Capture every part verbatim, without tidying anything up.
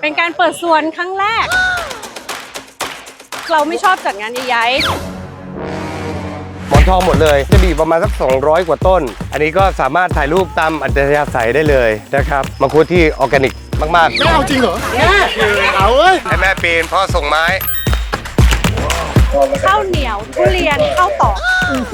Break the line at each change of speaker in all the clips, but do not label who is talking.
เป็นการเปิดสวนครั้งแรก เราไม่ชอบจัดงานใหญ่
ๆหมอนทองหมดเลยจะมีประมาณสักสองร้อยกว่าต้นอันนี้ก็สามารถถ่ายรูปตามอัธยาศัยได้เลยนะครับมังคุดที่ออร์แกนิกมากๆ
ไม่เอาจริงเหรอแม่เอาเว้ย
ให้แม่ปีนพ่อส่งไม้
ข้าวเหนียวทุเรียนข้าวตอก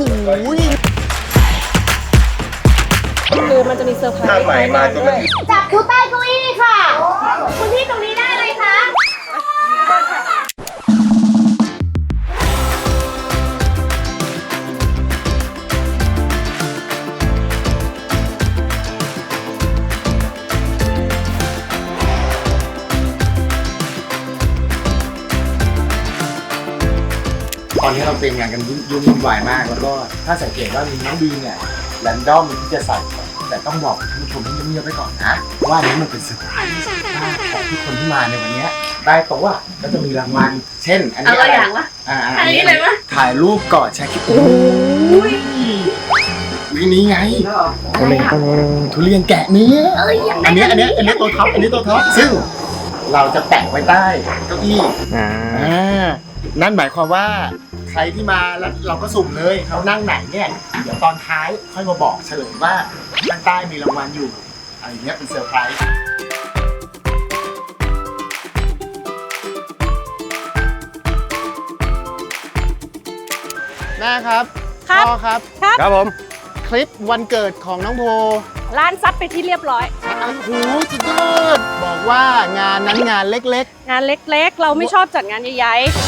คือมันจะมีเซอร์ไพรส์ภายในด้วย
จับอยู่ใต้เก้าอี้ค่ะคุณพี่ตรงนี้ได้เลยค่ะ
ตอนนี้เราเตรียมงานกันยุ่งวุ่นวายมากแล้วก็ถ้าสังเกตว่ามีน้องดีเนี่ยแรนดอมที่จะใส่แต่ต้องบอกท่านผู้ชมให้เงียบๆไว้ก่อนนะว่านี้มันเป็นเซอร์ไพรส์ของทุกคนที่มาในวันนี้ได้โต๊ะก็จะมีรางวัลเช่นอันนี้อะไรอย่างวะอันนี้เลยวะถ่ายรูปกอดแชร์คลิปโอ้ยวินี้ไงทุเรียนแกะนี้อันนี้อันนี้อันนี้ตัวท็อปอันนี้ตัวท็อปซึ่งเราจะแปะไว้ใต้เก้าอี้อ่านั่นหมายความว่าใครที่มาแล้วเราก็สุ่มเลยเขานั่งไหนเนี่ยเดี๋ยวตอนท้ายค่อยมาบอกเฉลยว่าข้างใต้มีรางวัลอยู่อะไรเงี้ยเป็นเซอร์ไพรส์แม่ครับพ่อครับ
ครับผม
คลิปวันเกิดของน้องโพ
ร้านซัดไปที่เรียบร้อย
โอ้โหสุดยอดบอกว่างานนั้นงานเล็ก
ๆงานเล็กๆเราไม่ชอบจัดงานใหญ่ๆ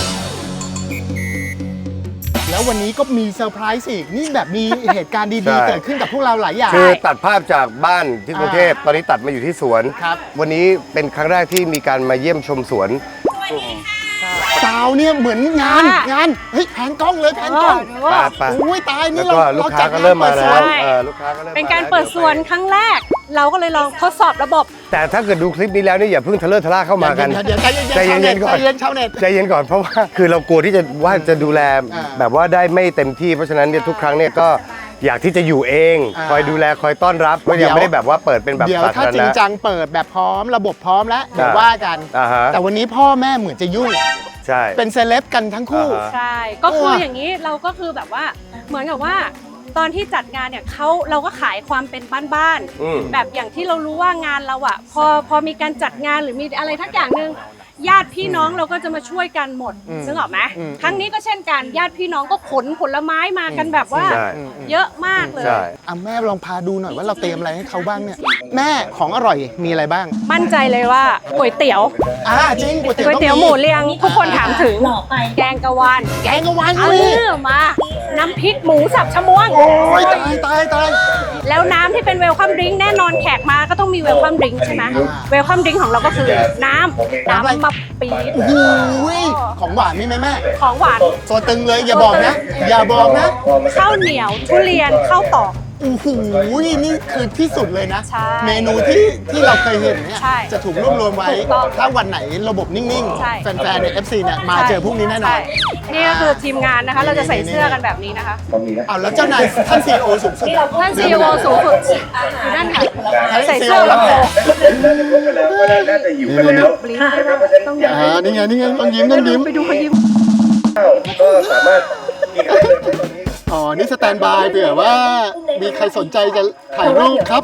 แล้ววันนี้ก็มีเซอร์ไพรส์อีกนี่แบบมีเหตุการณ์ดีๆเกิดขึ้นกับพวกเราหลายอย่าง
คือตัดภาพจากบ้านที่กรุงเทพตอนนี้ตัดมาอยู่ที่สวน
ครับ
วันนี้เป็นครั้งแรกที่มีการมาเยี่ยมชมสวน
สาวเนี่ยเหมือนงานงานเฮ้ยแผนกล้องเลยแผนกล้องโอ้ยตายนี่เรา
ลูกค้าก็เริ่มมาแล้วลูกค้าก็เริ่ม
เป็นการเปิดสวนครั้งแรกเราก็เลยลองทดสอบระบบ
แต่ถ้าเกิดดูคลิปนี้แล้วนี่อย่าเพิ่งทะเลาะทะล่าเข้ามากัน
ใจเย็นๆก่อนใจเย็นชาวเน็ต
ใจเย็นก่อนเพราะว่าคือเรากลัวที่จะว่าจะดูแลแบบว่าได้ไม่เต็มที่เพราะฉะนั้นเนี่ยทุกครั้งเนี่ยก็อยากที่จะอยู่เองคอยดูแลคอยต้อนรับก็ยังไม่ได้แบบว่าเปิดเป็นแบบ
เดี๋ยวถ้าจริงจังเปิดแบบพร้อมระบบพร้อมแล้วเดี๋ยวว่ากันแต่วันนี้พ่อแม่เหมือนจะยุ่ง
ใช่
เป็นเซเลบกันทั้งคู่
ใช่ก็คืออย่างนี้เราก็คือแบบว่าเหมือนกับว่าตอนที่จัดงานเนี่ยเขาเราก็ขายความเป็นบ้านๆแบบอย่างที่เรารู้ว่างานเราอ่ะพอพอมีการจัดงานหรือมีอะไรทักอย่างหนึ่งญาติพี่น้องเราก็จะมาช่วยกันหมดนึกออกไหมครั้งนี้ก็เช่นกันญาติพี่น้องก็ขนผลไม้มากันแบบว่าเยอะมากเลย
อ่ะแม่ลองพาดูหน่อยว่าเราเตรียมอะไรให้เขาบ้างเนี่ยแม่ของอร่อยมีอะไรบ้าง
มั่นใจเลยว่าก๋วยเตี๋ยว
อ่าจริงก๋วยเตี๋ยว
ก๋วยเตี๋ยวหมูเรียงทุกคนถามถึงแกงกะวาน
แกงกะวาน
เออมาน้ำพริกหมูสับชะมวง
โอ้ยตายตายตาย
แล้วน้ำที่เป็นเวลคัมดริงก์แน่นอนแขกมาก็ต้องมีเวลคัมดริงก์ใช่ไหมเวลคัมดริงก์ของเราก็คือน้ำน้ำมะปี๊ด
โอ้โหของหวานมีไหมแม่
ของหวาน
ตัวตึงเลยอย่าบอกนะอย่าบอกนะ
ข้าวเหนียวทุเรียนข้าวตอก
โอ้โหนี่คือที่สุดเลยนะเมนูที่ที่เราเคยเห็นเนี่ยจะถูกรวบรวมไว้ถ้าวันไหนระบบนิ่งๆแฟนๆใน เอฟ ซี เนี่ยมาเจอพวกนี้แน่นอน
นี่ก็คือทีมงานนะคะเราจะใส่เสื้อกันแบบนี้นะคะ
อ้าวแล้วเจ้านายท่านซีอีโอสูงสุด
ท่านซีอีโอสูงสุดอยู่นั่นค่ะใส่เสื้อแล้ว
น่าจะอยู่กันแล้ว
อ่านี่ไงนี่ไงต้องยิ้มต้องยิ้ม
ไปดูเขายิ้ม
ก็สามารถกินได้เลยตอนนี้
อ๋อนี่สแตนบายเผื่อว่ามีใครสนใจจะถ่ายรูปครับ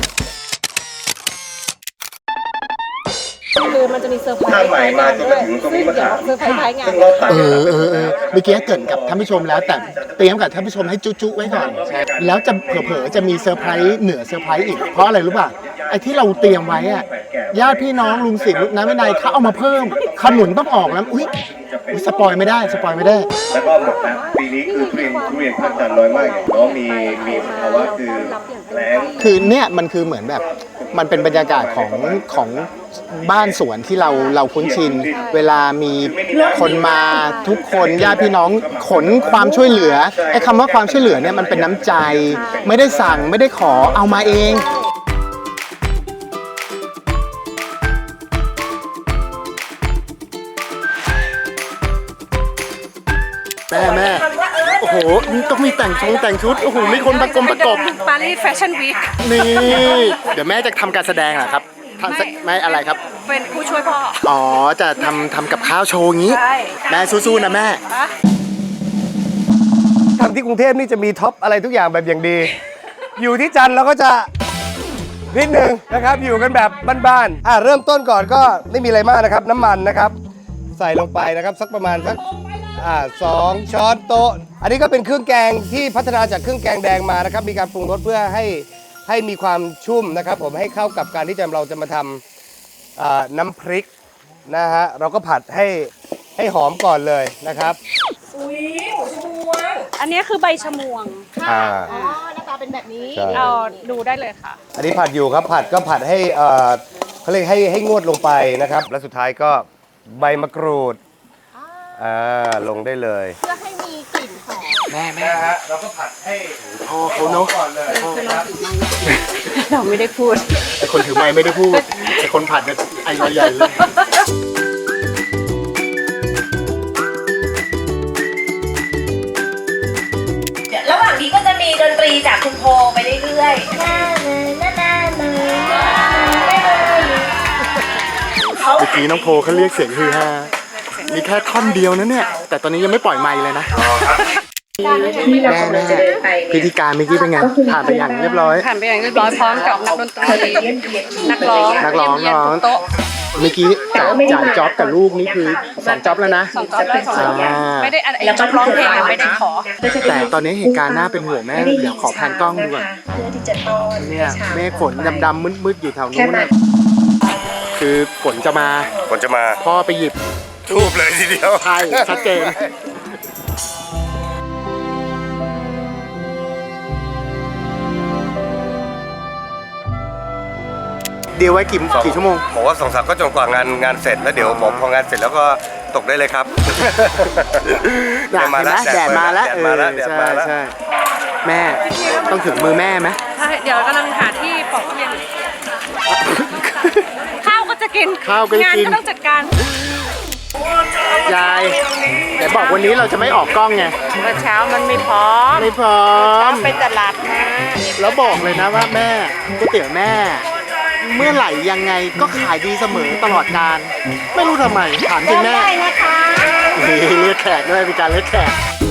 คือมันจะมีเซอร์ไพรส์ภายในด้วยซึ่งเดี๋ยวเซอร์ไพรส์ภายงาน
เออเออเออเมื่อกี้เกิดกับท่านผู้ชมแล้วแต่เตรียมกับท่านผู้ชมให้จุ๊ๆไว้ก่อนแล้วจะเผลอๆจะมีเซอร์ไพรส์เหนือเซอร์ไพรส์อีกเพราะอะไรรู้ป่ะไอ้ที่เราเตรียมไว้อะญาติพี่น้องลุงศิษย์ลุงน้าแม่นายเขาเอามาเพิ่มขนุนต้องออกแล้วอุ้ยสปอยไม่ได้สปอยไม่ได้
แล้วก็หมดนะปีนี้คือทุเรียนทุเรียนค่อนข้างน้อยมากอย่างน้องมีมีภาวะคือแล้ง
คือเนี่ยมันคือเหมือนแบบมันเป็นบรรยากาศของของบ้านสวนที่เราเราคุ้นชินเวลามีคนมาทุกคนญาติพี่น้องขนความช่วยเหลือไอ้คำว่าความช่วยเหลือเนี่ยมันเป็นน้ำใจไม่ได้สั่งไม่ได้ขอเอามาเองแม่แม่โอ้โหต้องมีแต่งชงแต่งชุดโอ้โหมีคนประกบประกบ
ปารีสแฟชั่นวีค
นี่เดี๋ยวแม่จะทำการแสดงเหรอครับททำสักไม่อะไรครับ
เป็นผู้ช่วยพ่อ
อ๋อจะทำทำกับข้าวโชว์งี้
ใช่
แม่สู้ๆนะแม่
ทำที่กรุงเทพนี่จะมีท็อปอะไรทุกอย่างแบบอย่างดี อยู่ที่จันทร์เราก็จะนิดหนึ่งนะครับอยู่กันแบบบ้านๆอ่ะเริ่มต้นก่อนก็ไม่มีอะไรมากนะครับ น้ำมันนะครับ ใส่ลงไปนะครับสักประมาณสักอ่าสองช้อนโต๊ะ อันนี้ก็เป็นเครื่องแกงที่พัฒนาจากเครื่องแกงแดงมานะครับ มีการปรุงรสเพื่อให้ให้มีความชุ่มนะครับ ผมให้เข้ากับการที่จะเราจะมาทำอ่าน้ำพริกนะฮะเราก็ผัดให้ให้หอมก่อนเลยนะครับ
อันนี้คือใบชะมวง
อ่า
อ๋อหน้าตาเป็นแบบนี้
ใช่
เอาดูได้เลยค่ะ
อันนี้ผัดอยู่ครับผัดก็ผัดให้เอ่อเขาเรียกให้ให้งวดลงไปนะครับ และสุดท้ายก็ใบมะกรูดอ่าลงได้เลย
เพื่อให้มีกลิ่นหอม
แม่แม่
นะฮะเราก็ผัดให้
พ่อเขาเนาะ
ก่อนเลยครับ
เราไม่ได้พูด
ไอคนถือไม้ไม่ได้พูดไอคนผัดเนี่ยไอใหญ่เลย
ระหว่างนี้ก็จะมีดนตรีจากคุณโพไปเรื่อยๆ
เมื่อกี้น้องโพเขาเรียกเสียงฮือฮามีแค่ท่อนเดียวนะเนี่ย แต่ตอนนี้ยังไม่ปล่อยไมค์เลยนะแม่แม่พิธีการเมื่อกี้เป็นไงผ่านไปอย่างเรียบร้อย
ผ่านไปอย่างเรียบร้อยพร้อมกับนักดนตรีนักร้อง
นักร้อง
เยี่ยม
ร้อง
ๆทุกโต๊ะ
เมื่อกี้จ่ายจ่ายจ็อบกับลูกนี่คือสองจ็อบแล้วนะ
สองจ๊อบได้สองจ๊อบ
อ่า
ไม่ได้อะไรจ๊อบร้องเพลงอะไม่ได้ขอ
แต่ตอนนี้เหตุการณ์น่าเป็นห่วงแม่เดี๋ยวขอแพนกล้องดูก่อน
เพื่อที่จะต้อน
เนี่ยเมฆฝนดำๆมืดๆอยู่แถวนู้นน่ะคือฝนจะมา
ฝนจะมา
พ่อไปหยิบ
ทูบเลยทีเดียว
ใช่ชัดเจนเดียวไว้กี่กี่ชั่วโมง
บอกว่าสองสามก็จนกว่างานงานเสร็จแล้วเดี๋ยวบอกพองานเสร็จแล้วก็ตกได้เลยครับ
แดดมาแล้วแดดมาแล้ว
แดดมาแล้วแดด
ใช่
มาแล้ว
ใช่แม่ต้องถึงมือแม่ไหม
ใช่เดี๋ยวกำลังหาที่ปอกทุเรียนอยู่ข้าวก็จะกิน
ข้าวก็จะ
งาน
กิน
ก็ต้องจัดการ
ยายแต่บอกวันนี้เราจะไม่ออกกล้องไง
เมื่อเช้ามันไม่พร้อม
ไม่พร้อม
ไปตลาดมา
แล้วบอกเลยนะว่าแม่ก๋วยเตี๋ยวแม่ เมื่อไหร่ยังไงก็ขายดีเสมอตลอดการ ไม่รู้ทำไมถามจริงแม่นี่เรียกแขกด้วยมีการเรียกแขก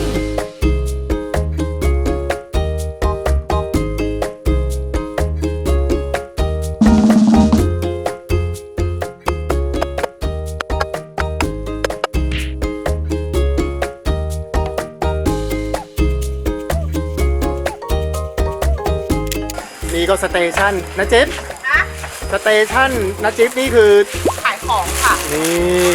นี่ก็สเตชันนะจิ๊บสเตชันนะจิ๊บนี่คือ
ขายของค่ะ
นี่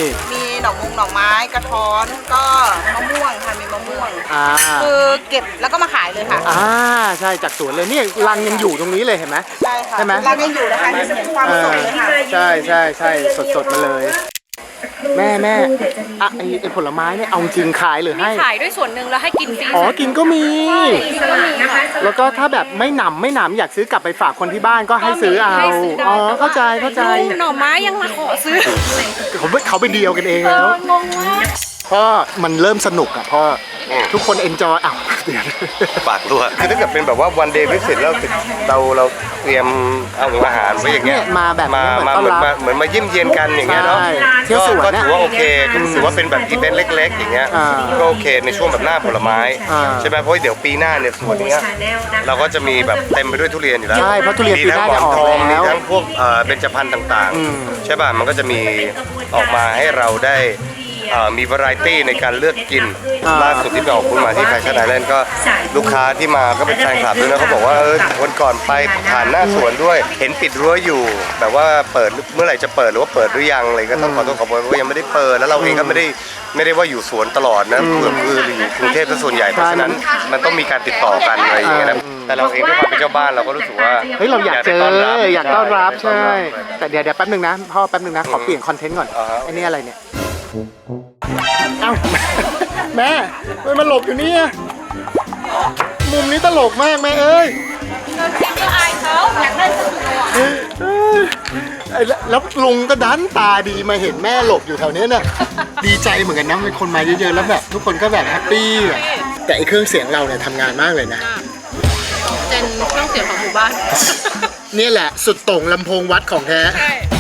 มีหน่อมงหน่อไม้กระท้อนก็มะม่วงค่ะ มีมะม่วง
อ่า
คือเก็บแล้วก็มาขายเลยค่ะ
อ่าใช่จากสวนเลยนี่รังยังอยู่ตรงนี้เลยเห็นไหม
ใช่ค่ะ
ใช่ไหม
ร้านยังอยู่นะคะนี่เป็นความสดเลยค่ะ
ใช่ใช่ใช่สดสดๆมาเลย แม่แม่อะไอไอผลไม้เนี่ยเอาจริงขายหรือ
มี
ให้
ขายด้วยส่วนหนึ่งแล้วให้กินฟรี
อ๋อกินก็มี
กินก็มีค่ะ
แล้วก็ถ้าแบบไม่หนำไม่หนำอยากซื้อกลับไปฝากคนที่บ้านก็ให้ซื้อเอา
ให้ซื้ได้
อ๋อ
แต่ว่
เข้าใจเข้าใจ
ดูหน่อไม้ยังมาขอซื้อ
เขาเขาไปเดียวกันเอง
เอ
แล้ว
องงมาก
เพราะมันเริ่มสนุกอ่ะเพราะทุกคนเอนจอยอ้าวเดี๋ยว
ปากรั่วคือถ้าเกิดเป็นแบบว่าวันเดย์วิสิตแล้วเราเราเตรียมเอาอาหารไว้อย่างเงี้ย
เนี่ยมาแบบ
มา
นี้เหมือน
มา
ต้อน
เหมือน
รับ
มาเหมือนมาเยี่ยมเยียนกันอย่างเงี้ยเนาะ
ใช่เที่ยวสวน
ก็
นะ
ถือว่าโอเคก็ถือว่าเป็นแบบอีเวนต์เล็ก ๆ อย่างเงี้ย
อ่า
ก็โอเคในช่วงแบบหน้าผลไม้
อ่า
ใช่ไหมเพราะว่าเดี๋ยวปีหน้าเนี่ยสวนเนี้ยเราก็จะมีแบบเต็มไปด้วยทุเรียนอยู่แล้ว
ใช่เพราะทุเรียนปีหน้า
มีทั้งหมอนทอง
จะออกแล้ว
มีทั้งพวกเอ่อเบญจพรรณต่าง
อืม
ๆ ใช่ป่ะมันก็จะมีออกมาให้เราได้เอ่อมีวาไรตี้ในการเลือกกิน
อ่า
ล่าสุดที่ไปออกคุณมาที่แฟชั่นไอแลนด์ก็ลูกค้าที่มาก็เป็นแฟนคลับด้วยนะเขาบอกว่าเออวันก่อนไปผ่านหน้าสวนด้วย เห็นปิดรั้วอยู่แบบว่าเปิดเมื่อไหร่จะเปิดหรือว่าเปิดหรือยังอะไรก็ต้องขอโทษขอโพยเพราะว่ายังไม่ได้เปิดแล้วเราเองก็ไม่ได้ไม่ได้ว่าอยู่สวนตลอดนะเพื่อคืออยู่กรุงเทพเป็นส่วนใหญ่เพราะฉะนั้นมันต้องมีการติดต่อกันอะไรอย่างเงี้ยนะแต่เราเองด้วยความเป็นเจ้าบ้านเราก็รู้สึกว่า
เฮ้ยเราอยากเจอ
ต้นรับ
อยากต้อนรับใช่
ต้อนรับ
แต่เดี๋ยวเดี๋ยวแป๊บนึงนะพ่อแป๊บนึงนะขอเปลี่ยนคอนเทนต์ก่อน
อ่าฮะ
ไอ้นี่อะไรเนี่ยเอ้า แม่เฮ้ยมันหลบอยู่เนี่ยมุมนี้ตลกมากแม่เอ้ย
ก็อายเขาอยากได้สตู
เอ้ยไอ้แล้วแล้วลุงก็ดันตาดีมาเห็นแม่หลบอยู่แถวเนี้ยน่ะดีใจเหมือนกันนะเป็นคนมาเยอะๆแล้วแบบทุกคนก็แบบแฮปปี้อะแต่ไอ้เครื่องเสียงเราเนี่ยทำงานมากเลยนะ
เป็นเครื่องเสียงของหมู่บ้าน
นี่แหละสุดโต่งลำโพงวัดของแท้
ใช่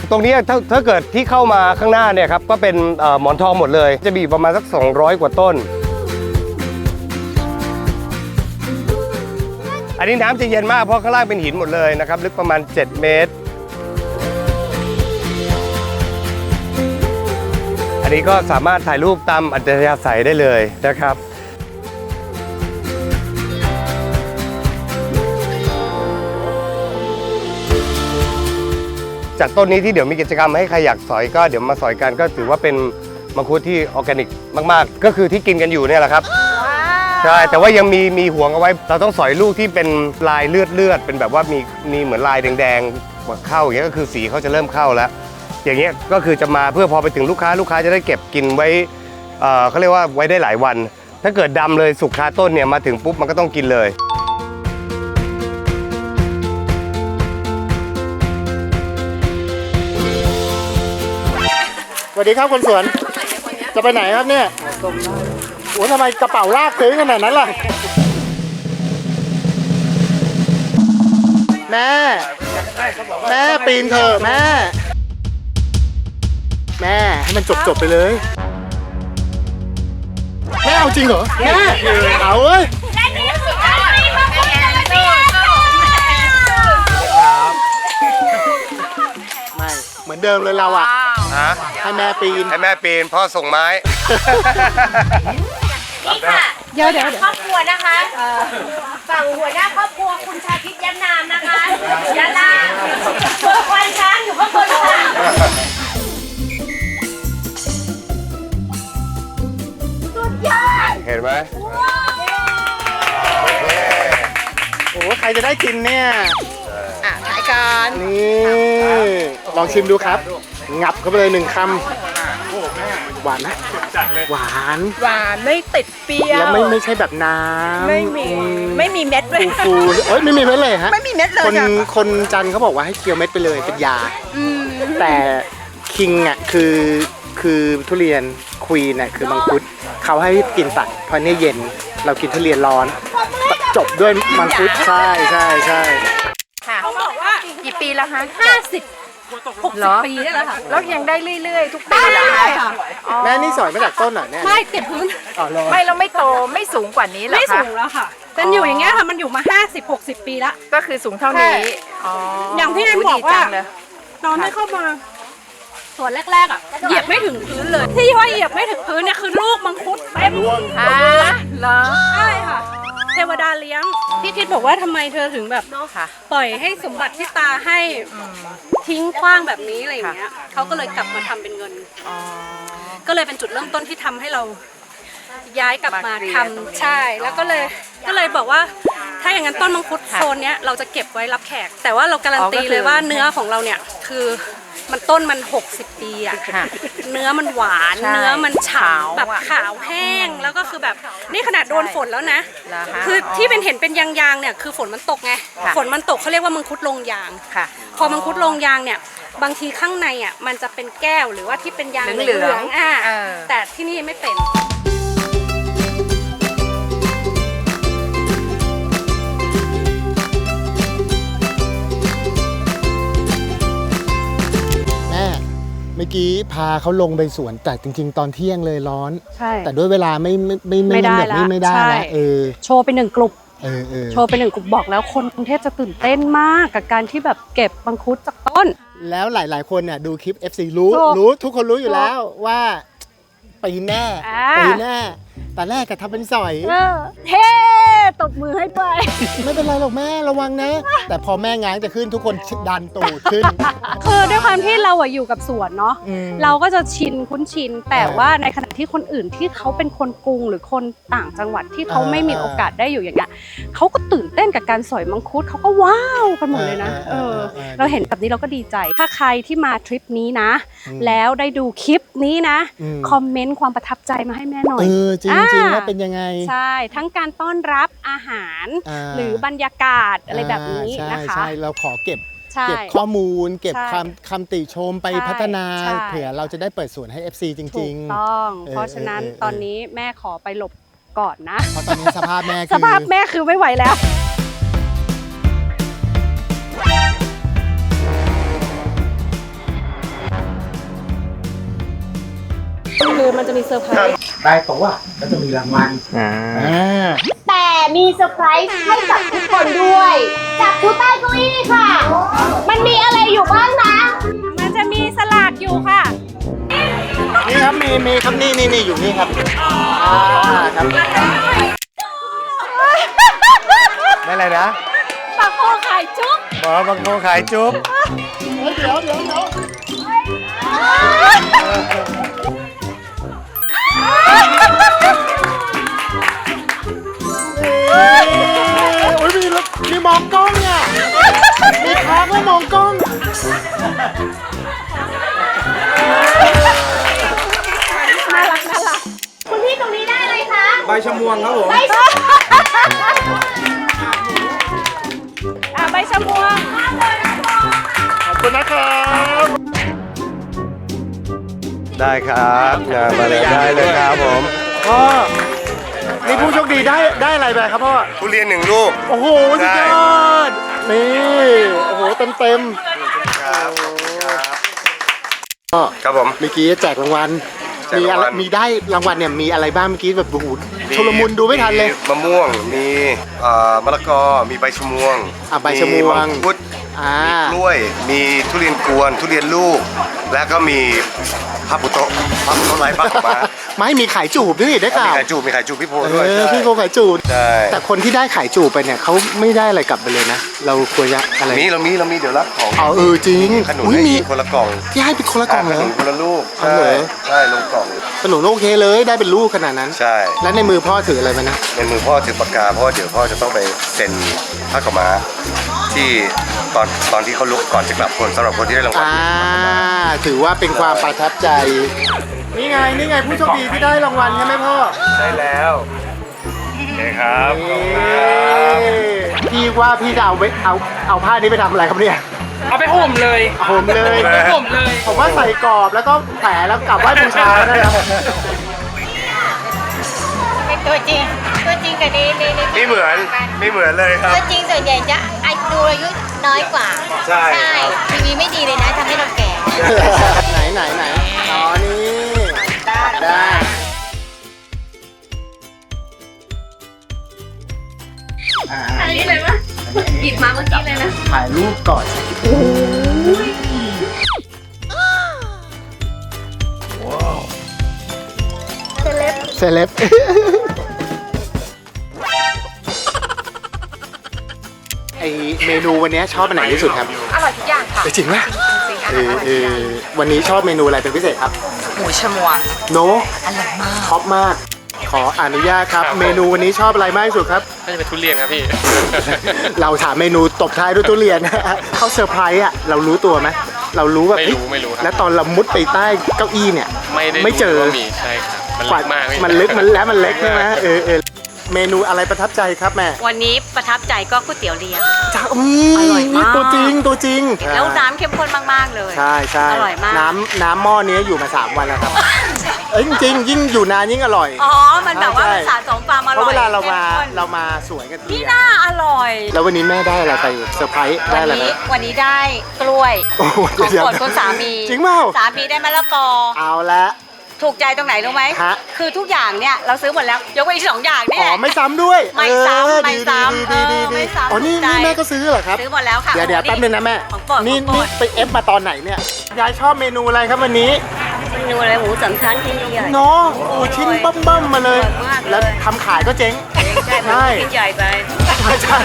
ตรงนี้ถ้าถ้าเกิดที่เข้ามาข้างหน้าเนี่ยครับก็เป็นเอ่อหมอนทองหมดเลยจะมีประมาณสักสองร้อยกว่าต้นอันนี้น้ำจะเย็นมากเพราะข้างล่างเป็นหินหมดเลยนะครับลึกประมาณเจ็ดเมตรอันนี้ก็สามารถถ่ายรูปตามอัธยาศัยได้เลยนะครับจากต้นนี้ที่เดี๋ยวมีกิจกรรมให้ใครอยากสอยก็เดี๋ยวมาสอยกันก็ถือว่าเป็นมังคุดที่ออร์แกนิกมากๆก็คือที่กินกันอยู่เนี่ยแหละครับใช่แต่ว่ายังมีมีห่วงเอาไว้เราต้องสอยลูกที่เป็นลายเลือดเลือดเป็นแบบว่ามีมีเหมือนลายแดงๆเข้าอย่างเงี้ยก็คือสีเขาจะเริ่มเข้าแล้วอย่างเงี้ยก็คือจะมาเพื่อพอไปถึงลูกค้าลูกค้าจะได้เก็บกินไว้เอ่อเขาเรียกว่าไว้ได้หลายวันถ้าเกิดดำเลยสุกคาต้นเนี่ยมาถึงปุ๊บมันก็ต้องกินเลย
สวัสดีครับคนสวนจะไปไหนครับเนี่ยโอ้ทำไมกระเป๋าลากถึงขนาดนั้นล่ะแม่แม่ปีนเถอะแม่แม่ให้มันจบจบไปเลยแม่เอาจริงเหรอแม่เอาเว้ยไม่เหมือนเดิมเลยเราอะให้แม่ปีน
ให้แม่ปีนพ่อส่งไม้
นี่ค่ะ
เดี๋ยวเดี๋ยวเดี๋ยว
ครอบครัวนะคะฝั่งหัวหน้าครอบครัวคุณชาคิดย้ำนามนะคะยะลาส่วนควานช้างอยู่ข้างบนค่ะ
เห็นไหม
โอ้ใครจะได้กินเนี่ย
อ่ะถ่ายกัน
นี่ลองชิมดูครับ งับเข้าไปเลยหนึ่งคำหวานนะหวาน
หวานไม่ติดเปรี้ยว
แล้วไม่ไม่ใช่แบบน้ำ
ไม่มี
อื
ไม่มีเม็ดด้วย
ฟูๆโอ้ยไม่มีเม็ดเลยฮะ
ไม่มีเม็ดเลย
คน
ค่ะ
คนจันทร์เขาบอกว่าให้เคี้ยวเม็ดไปเลยเป็นยา แต่คิงอ่ะคือคือทุเรียนควีนอ่ะคือมังคุดเขาให้กินตัดเพราะเนี่ยเย็นเรากินทุเรียนร้อน จบด้วยมังคุดใช่ใช่ใช่
ค่ะ
เขาบอกว่า
กี่ปีแล้วคะ
ห้าสิบหก
เหร
สิบ
อ
ปีได้แล้วค่ะ
แล้วยังได้เรื่อยๆ ทุกปีเหรอ
ได้ค่ะ
อ๋อ
แม่นี่สอยมาจากต้นเหรอเนี่ย
ไม่ติดพื้น
อ๋อเหรอ
ไม่เราไม่โตไม่สูงกว่านี้เหรอ
ไม่
คะ
สูงแล้วค่ะ เป็นอยู่อย่างเงี้ยค่ะ มันอยู่มาห้าสิบ หกสิบปีละ
ก็คือสูงเท่านี้อ๋ออ
อย่างที่แนน
ย
บอก
ดี
ว่า
จังเลย
ตอนที่เข้ามาส่วนแรกๆอ่ะเหยียบไม่ถึงพื้นเลย ที่ว่าเหยียบไม่ถึงพื้นเนี่ยคือลูกมังคุดเต็ม
อ่าเหรอ
ใช่ค่ะ เทวดาเลี้ยง พี่คิดบอกว่าทำไมเธอถึงแบบ
ค่ะ
ปล่อยให้สมบัติที่ตาให้ทิ้งขว้างแบบนี้อะไรอย่างเงี้ยเขาก็เลยกลับมาทำเป็นเงิน
อ๋อ
ก็เลยเป็นจุดเริ่มต้นที่ทำให้เราย้ายกลับมา
มาเรียน
ทำใช่ แล้วก็เลยก็เลยบอกว่าถ้าอย่างนั้นต้นมังคุดโซนเนี้ยเราจะเก็บไว้รับแขก แต่ว่าเราการันตีเลยว่าเนื้อของเราเนี่ยคือมันต้นมันหกสิบปีอะ
ค่ะ
เนื้อมันหวาน
ใช่
เนื้อมันฉ่
ขาว
ำแบบ
อะ
ขาวแห้งแล้วก็คือแบบนี่ขนาดโดนฝนแล้วนะ
เหรอคะ
คือที่เป็นเห็นเป็นยางๆเนี่ยคือฝนมันตกไง
ค่ะ
ฝนมันตกเขาเรียกว่ามังคุดลงยาง
ค่ะ
พอมังคุดลงยางเนี่ยบางทีข้างในอ่ะมันจะเป็นแก้วหรือว่าที่เป็นยาง
เหลืองๆ
เหลืองๆอ่ะ
เออ
แต่ที่นี่ไม่เป็น
แม่เมื่อกี้พาเขาลงไปสวนแต่จริง ๆ ตอนเที่ยงเลยร้อน
ใช่
แต่ด้วยเวลาไม่ไม่ไม่
ไม่ได้
แบบนี้
ละ
ไม่ได้
ใช่
แล้วเออ
โชว์ไปหนึ่งกลุ่ม
เออเออ
โชว์ไปหนึ่งกลุ่มบอกแล้วคนกรุงเทพจะตื่นเต้นมากกับการที่แบบเก็บมังคุดจากต้น
แล้วหลาย ๆ คนเนี่ยดูคลิป เอฟ ซี รู้
ถูก
รู้ทุกคนรู้อยู่แล้วว่าปีนแน่
อ่า
ปีนแน่แต่แรกก็ทำเป็นสอย
เออเฮ้ตบมือให้ไป
ไม่เป็นไรหรอกแม่ระวังนะ แต่พอแม่ง้างจะขึ้นทุกคนดันตูดขึ้น
คือด้วยความที่เราอะอยู่กับสวนเนาะ
อืม
เราก็จะชินคุ้นชิน แต่
เออ
ว่าในขณะที่คนอื่นที่เขาเป็นคนกรุงหรือคนต่างจังหวัดที่เขา
เออ
ไม่มีโอกาสได้อยู่อย่างเงี้ยเขาก็ตื่นเต้นกับการสอยมังคุดเขาก็ว้าวกันหมดเลยนะ
เอ
เอ
อ
อ
เออเออ
เราเห็นแบบนี้เราก็ดีใจ ถ้าใครที่มาทริปนี้นะ
อืม
แล้วได้ดูคลิปนี้นะ
อืม
คอมเมนต์ความประทับใจมาให้แม่หน่อย
เออจริงจริง
อ่า
ว่าเป็นยังไง
ใช่ ทั้งการต้อนรับอาหาร
า
หรือบรรยากาศอะไรแบบนี้
อ่า
นะคะ
ใช่ใช่เราขอเก็บ
ใช่
เก็บข้อมูล เก็บ
ใช่
ความคำติชมไป
ใช่
พัฒนา
ใช่
เผื่อเราจะได้เปิดศูนย์ให้ เอฟ ซี จ
ถู
ริ
ก
ง
ต้อง
เออ
เพราะฉะนั้น
เออเออ
ตอนนี้แม่ขอไปหลบก่อนนะ
ๆ เพราะตอนนี้สภาพแม่
ส
คือ
ภาพแม่คือไม่ไหวแล้ว
น
คือมันจะมีเซอร์ไพรส์
ได้โต๊ะก็จะมีรางวัลอ่า
แต่มีเซอร์ไพรส์ให้กับทุกคนด้วย จับทุกใต้เก้าอี้ค่ะ มันมีอะไรอยู่บ้างนะ
มันจะมีสลากอยู่ค่ะ
นี่ครับมีมีครับนี่นี่นี่อยู่นี่ครับอ่าครับ
ได้อะไรนะ
ปากโคขายจุ๊บ
หมอบางโคขายจุ๊บ
เดี๋ยวเดี๋ยวเดี๋ยวโอ้ยมีมีมองกล้องอ่ะมีค้างแล้วมองกล้อง
น่ารักน่ารัก
คุณพี่ตรงนี้ได้เลยคะ
ใบชะมวงครับผม
ใบชะ
อ่ะใบชะมวง
ขอบคุณนะครับ
ได้ครับงานมาเลยได้เลยครับผม
พ่อนี่ผู้โชคดีได้ได้อะไรไปครับพ่อ
ทุเรียนหนึ่งลูก
โอ้โหสุดยอดนี่โอ้โหเต็มเต็ม
ครับ
ก็
ครับผม
เมื่อกี้แจกรางวัล
แจก
มี
ราง
อะไร
วัล
มีได้รางวัลเนี่ยมีอะไรบ้างเมื่อกี้แบบโอ้โหชุลมุนดูไม่ทันเลย
มะม่วง มีเอ่อมะละกอ มีใบชะมวง
อ่ะใบชะมวง
มังคุด
อ่าก
ล้วย มีทุเรียนกวน ทุเรียนลูก และก็มีพาปุโตะพาปุโตะลายปักออกมา
ไม่มีขายจูบด้วยนี่ได้ข่า
มี
ว
ไข่จูบมีไข่จูบพี่โพ
เอ
ด้วย
อ
ใช่
พี่โกขายจูบ
ใช่
แต่คนที่ได้ขายจูบไปเนี่ยเขาไม่ได้อะไรกลับไปเลยนะ เราควรจะอะไร
มีเรามีเรามีเดี๋ยวรับของ
เอาเออจริง
ขนุน
อุ๊ย
ให้
มี
อีกคนละกล่อง
ที่ให้เป็นคนละกล่องเหร
ข
อ
นุนคนละลูก
เอา
ใช่
เหรอ
ใช่ลงกล่อง
ขนมโอเคเลยได้เป็นลูกขนาดนั้น
ใช่
แล้วในมือพ่อถืออะไรมานะ
ในมือพ่อถือปากกาเพราะว่าเดี๋ยวพ่อจะต้องไปเซ็นผ้าขาวม้าที่ตอนตอนที่เขาลุกก่อนจะกลับคนสำหรับคนที่ได้รางวัล
อ่าถือว่าเป็นความประทับใจ นี่ไงนี่ไงผู้โชคดีที่ได้รางวัลใช่ไหมพ่อ
ได้แล้วโอเคครับขอบคุณครับ
พี่ว่าพี่จะเอาไว้เอาเอาผ้านี้ไปทำอะไรครับเนี่ย
เอาไปห่มเลย
ผมเลย
ห่มเลย
ผมว่าใส่กรอบแล้วก็แผลแล้วกลับไหว้บูชานะครับ
เป็นตัวจริง ตัวจริงกับในในใน
ไม่เหมือนไม่เหมือนเลยครับ
ตัวจริงส่วนใหญ่จะอายุอายุน้อยกว่า
ใช่
ทีวีไม่ดีเลยนะทำให้เราแก่
ไหนไหนไหนอ๋อนี่ได้
อันนี้เลยปะหยิบมาเมื่อกี้เลยนะ
ถ่ายรูปก่อนเซเลบเซเลบไอเมนูวันนี้ชอบอันไหนที่สุดครับ
อร่อยทุกอย่างค่ะ
จริงไหม
จริงๆอ
เอ
ร่อย
อ
อ
เอ
ร่อย
อวันนี้ชอบเมนูอะไรเป็นพิเศษครับ
หมูชะมวง
โน
อร่อยมาก
ชอบมาก ขออนุญาตครับ เมนูวันนี้ชอบอะไรมากที่สุดครับ
น่าจะเป็นทุเรียนครับพี่
เราถามเมนูตบท้ายด้วยทุเรียน เขาเซอร์ไพรส์อ่ะเรารู้ตัวไหมเรารู้แบบ
ไม่รู้
เฮ้ย
ไม่รู้ครับ
แล้วตอนเรามุดไปใต้เก้าอี้เนี่ย
ไม่ได้
ไม่เจอ
รู้ว่ามีใช่ครับ มัน
กว่า
เล็กมากพี่
มันลึกมันแล้วมันเล็กใช่ไหมเออเออเมนูอะไรประทับใจครับแม่
วันนี้ประทับใจก็ก๋วยเตี๋ยวเรียง
จ้าอื
อร่อยมาก
ตัวจริงตัวจริง
แล้วน้ำเข้มข้นมากๆเลย
ใช่ใช่
อร่อยมาก
น้ำน้ำหม้อนี้อยู่มาสามวันแล้วครับ เอ้ยจริงๆยิ่งอยู่นานยิ่งอร่อย
อ๋อ มันแบบว่า
ใช่
มันสะสมความอ
เพ
ร่อย
ราะเวลาเรามา
ข้ข้น
เรามาสวยกันที
นี่
อะ
น่าอร่อย
แล้ววันนี้แม่ได้อะไรไปเซอร์ไพรส์ได้
วัน
อะไรไหม
นี้วันนี้ได้กล้วย
โอ้โห
ของ
เดี๋ยว
โปรดคุณสามี
จริงเปล่า
สามีได้มะละกอ
เอาละ
ถูกใจตรงไหนรู้ไหม
ฮะ
คือทุกอย่างเนี่ยเราซื้อหมดแล้ว ยกเว้นอีกสองอย่างนี่
อ๋
แห
อ
ละ
ไม่ซ้ำด้วย
ไม่ซ้ำ
เออ
ไม่
ดี
ซ้ำ
ดีดีดี
เออไม่ซ้ำ
อ๋อนี่
ถูกใจ
นี่แม่ก็ซื้อเหรอครับ
ซื้อหมดแล้วค่ะ
เดี๋ยวเดี๋ยวแป๊บนึงนะแม่
ของโปรด
นี่
ของโปร
นี่
ด
ไปเอฟมาตอนไหนเนี่ยยายชอบเมนูอะไรครับวันนี้
เมนูอะไรหมูสามชั้นที่ใหญ่
เนาะโอ้ชิ้นเบิ่มๆมาเลย
อร่อยมากเลย
แล้วทำขายก็เจ๊ง
ใช่
ใช่
ชิ้นใหญ่ไป
ใช่ใช่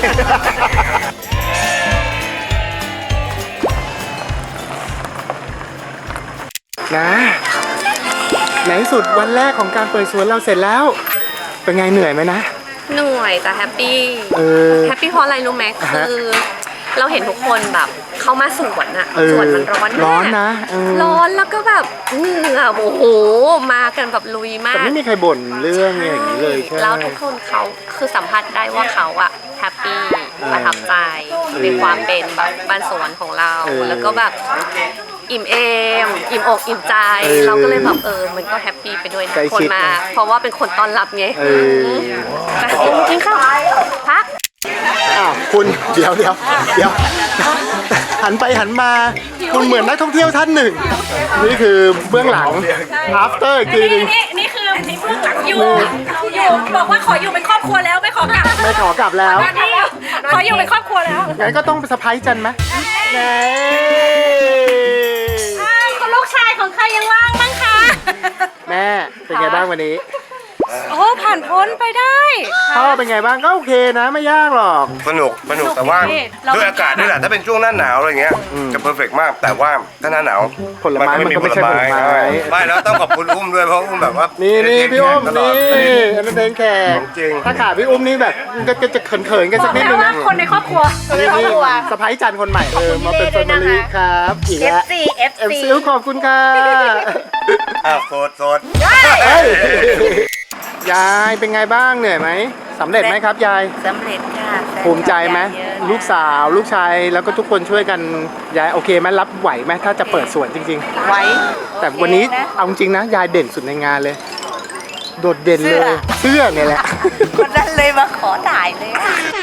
นะในที่สุดวันแรกของการเปิดสวนเราเสร็จแล้ว เป็นไงเหนื่อยไหมนะ
เหนื่อยแต่แฮปปี้
เออ
แฮปปี้เพราะอะไรรู้ไหม
อ่าฮะ
คือ เราเห็นทุกคนแบบเข้ามาสวนอะ
เออ
สวนมันร้อนมาก
ร้อนนะเออ
ร้อนแล้วก็แบบเหงื่อโอ้โหมากันแบบลุยมา
แต่
ก
ไม่มีใครบ่นเรื่องอย่างนี้เลยใช่ไหม
แล้วทุกคนเขาคือสัมผัสได้ว่าเขาอะแฮปปี้ประทับใจในความเป็นแบบบ้านสวนของเรา
เออ
แล้วก็แบบอิ่มเอมอิ่มอกอิ่มใจ
เออ
เราก็เลยแบบเออมันก็แฮปปี้ไปด้วยนะ
ใกล้
คน
ชิด
มา
นะ
เพราะว่าเป็นคนต้อนรับไง
เออ
แต่กินข้าวพัก
อ้าวคุณเดี๋ยวเดี๋ยวเดี๋ยวหันไปหันมาคุณเหมือนนักท่องเที่ยวท่านหนึ่ง นี่คือเบื้องหลัง after อีกทีหนึง
นี่นี่คือนี่เบื้องหลังอยู่อยู่บอกว่าขออยู่เป็นครอบครัวแล้วไม่ขอกลับ
ไม่ขอกลับแล้ว
ขออยู่เป็นครอบครัวแล้ว
งั้นก็ต้องไปสะพายจันไหมแหม
อ้าวคุณลูกชายของใครยังว่างบ้างคะ
แม่เป็นไงบ้างวันนี้
โอ้ผ่านพ้นไปได้
พ่อเป็นไงบ้างก็โอเคนะไม่ยากหรอก
สนุกสนุกแต่ว่า
เรา
ด้วยอากาศด้วยแหละถ้าเป็นช่วงหน้าหนาวอะไรเงี้ยจะเพอร์เฟกต์มากแต่ว่าถ้าหน้าหนาว
ผลไม้มันก็ไม่ใช่ผลไม้
ไม่แล้วต้องขอบคุณอุ้มด้วยเพราะอุ้มแบบว่า
นี่นี่พี่อุ้ม
ตลอ
นี่
ด
อันนั้นเดนแขก
ของจริง
ถ้าขาดพี่อุ้มนี่แบบก็ก็จะเขินๆกัน
บ
สั
อก
กนิด
แล้
นึ
ว
ง
ว่า
นะ
คนในครอบครัว
นี่นี่สะพ้ายจันคนใหม่เออมาเป็นแฟมิลี่ครับอีกแล้ว
เอฟซี เอฟ
เอฟ
ซี
ซีขอบคุณค่ะ
อ่ะโสดโสด
เอ้ยยายเป็นไงบ้างเหนื่อยไหมสำเร็จไหมครับยาย
สำเร็จค่ะแฟน
ภูมิใจไหม
เยอะ
ลูกสาวลูกชายแล้วก็ทุกคนช่วยกันยายโอเคไหมรับไหวไหมถ้าจะเปิดสวนจริง
ไว้
ๆ แต่วันนี้เอาจริงนะยายเด่นสุดในงานเลย โดดเด่นเลย เสื้อเนี่ยแหละ
คนนั้นเลยมาขอถ่ายเลย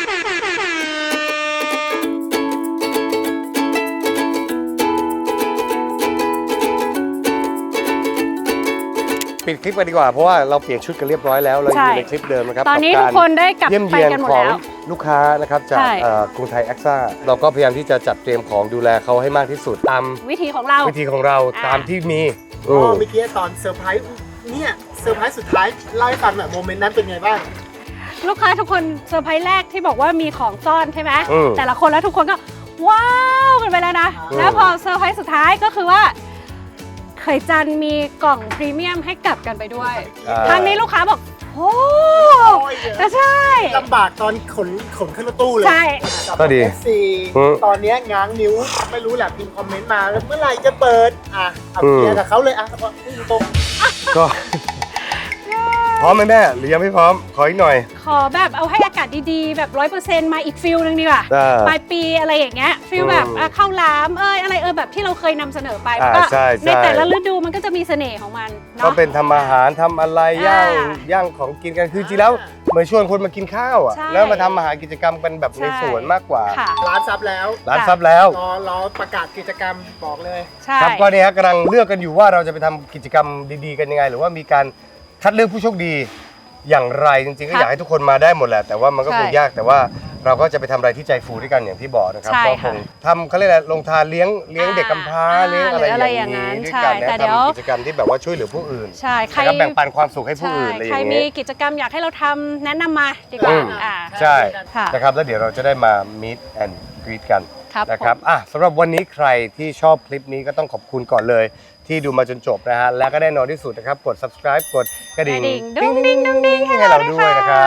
ปิดคลิปกันดีกว่าเพราะว่าเราเปลี่ยนชุดกันเรียบร้อยแล้วเราอยู่ในคลิปเดิมนะครับ
ตอนนี้
กั
ทุ
บ
กคนได้กลับ
เยี่ยม
ไป
เยียน
กันหมด
ของ
แล้ว
ลูกค้านะครับจาก
ใช่
เอ่อกรุงไทยแอคซ่าเราก็พยายามที่จะจัดเตรียมของดูแลเขาให้มากที่สุดตาม
วิธีของเรา
วิธีของเรา
อ่า
ตามที่มี
อ๋อเมื่อกี้ตอนเซอร์ไพรส์เนี่ยเซอร์ไพรส์สุดท้ายเล่าให้ฟังหน่อยโมเมนต์นั้นเป็นไงบ้าง
ลูกค้าทุกคนเซอร์ไพรส์แรกที่บอกว่ามีของซ่อนใช่ไหม
อืม
แต่ละคนแล้วทุกคนก็ว้าวกันไปแล้วนะ
อืม
แล้วพอเซอร์ไพรส์สุดท้ายก็คือว่าไข่จันมีกล่องพรีเมียมให้กลับกันไปด้วย
อ่า
ทางนี้ลูกค้าบอกโอ้แต่ใช่
ลำบากตอนขนขนขึ้นรถตู้เลย
ใช่
ก็ดี
เอฟซี
อืม
ตอนเนี้ยง้างนิ้วไม่รู้แหละพิมพ์คอมเมนต์มาแล้วเมื่อไหร่จะเปิดอ่ะเอาเคลียร์กับเขาเลยอ่ะพูดตรง
ก็พร้อมไหมแม่หรือยังไม่พร้อมขออีกหน่อย
ขอแบบเอาให้อากาศดีๆ แบบร้อยเปอร์เซ็นต์มาอีกฟิลนึงดีกว่า
ได้
ปลายปีอะไรอย่างเงี้ยฟิล
อืม
แบบอ่ะข้าวหลามเอ้ยอะไรเออแบบที่เราเคยนำเสนอไป
อ่า
ก็
ใช่ใช่
ในแต่ละฤดูมันก็จะมีเสน่ห์ของมัน
ก็
เนาะ
เป็นทำอาหารทำอะไรย่าง
อ่า
ย่างของกินกันคือจริงแล้วเหมือนชวนคนมากินข้าวอ่ะ
ใช่
แล้วมาทำอาหารกิจกรรมกันแบบใน
ใช่
สวนมากกว่า
ค่ะ
ๆร้านซับแล้ว
ร้านซับแล้ว
รอรอประกาศกิจกรรมบอกเลย
ใช่
ครับก็เนี่ยฮะกำลังเลือกกันอยู่ว่าเราจะไปทำกิจกรรมดีๆกันยังไง หรือว่ามีการคัดเลือกผู้โชคดีอย่างไรจริงๆก็
ครับ
อยากให้ทุกคนมาได้หมดแหละแต่ว่ามันก็
ใช่
คงยากแต่ว่าเราก็จะไปทำอะไรที่ใจฟูด้วยกันอย่างที่บอกนะครับ
ใช่
ก็ค
ค่ะ
งทำเขาเรียกอะไรลงทานเลี้ยงเลี้ยงเด็กกำพร้า
อ่า
เลี้ยงอะไร
หรืออะไร
อย่างนี้
อย่างนั้น
ด้วย
ใช่
กันนะ
แต่เดี๋ยว
ทำกิจกรรมที่แบบว่าช่วยเหลือผู้อื่น
ใช่ใคร
แล้วก็แบ่งปันความสุขให้ผู้
ใช่
อื่นอะไรอ
ใคร
ย่าง
มี
นี้
กิจกรรมอยากให้เราทำแนะนำมาดีกว่า
อืม
อ่า
ใช่
ค่ะ
นะครับแล้วเดี๋ยวเราจะได้มา meet and greet กัน
ครับ
นะครับอ่ะสำหรับวันนี้ใครที่ชอบคลิปนี้ก็ต้องขอบคุณก่อนเลย ที่ดูมาจนจบนะฮะและก็แน่นอนที่สุดนะครับกด subscribe กดกระ
ก
ดิ่
ระ
ง
ดิ่งดุ้งดิ้งดุ้งดิ้ง
ให้เราด้วยนะครับ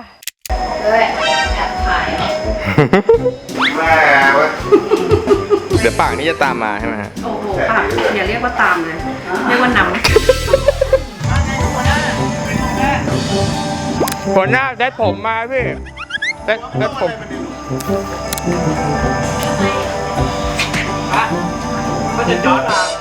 เดี๋ยวปากนี้จะตามมาใช่ไหมฮะ
โอ้โหปากอย่าเรียกว่าตามเลยเรียกว่านำ
หัวหน้าได้ผมมาพี่ได้ได้ผม
ก็จะย้อนมา